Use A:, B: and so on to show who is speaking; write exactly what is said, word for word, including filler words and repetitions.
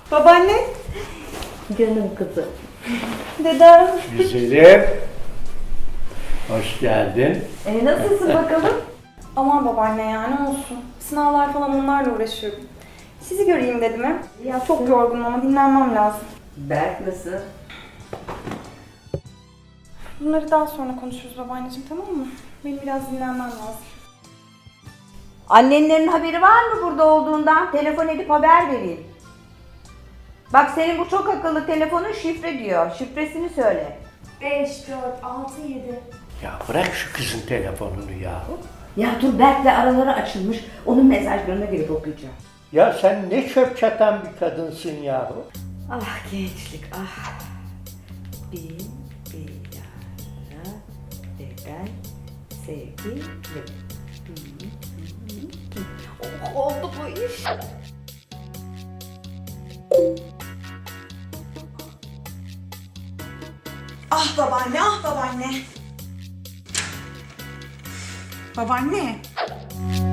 A: Babaanne.
B: Canım kızım.
A: Dedem.
C: Güzelim. Hoş geldin.
B: E, nasılsın bakalım?
A: Aman babaanne ya ne olsun. Sınavlar falan onlarla uğraşıyorum. Sizi göreyim dedim he. Ya çok yorgunum ama dinlenmem lazım.
B: Berk nasıl?
A: Bunları daha sonra konuşuruz babaanneciğim, tamam mı? Benim biraz dinlenmem lazım.
B: Annenlerin haberi var mı burada olduğundan? Telefon edip haber vereyim. Bak senin bu çok akıllı telefonun şifre diyor. Şifresini söyle.
A: beş, dört, altı, yedi.
C: Ya bırak şu kızın telefonunu ya.
B: Ya dur Berk'le araları açılmış. Onun mesajlarına girip okuyacağım.
C: Ya sen ne çöp çatan bir kadınsın yahu.
B: Ah gençlik ah. Bin bir yara ve ben sevgilim. Oh, oldu bu iş.
A: Ah babaanne, ah babaanne. Babaanne.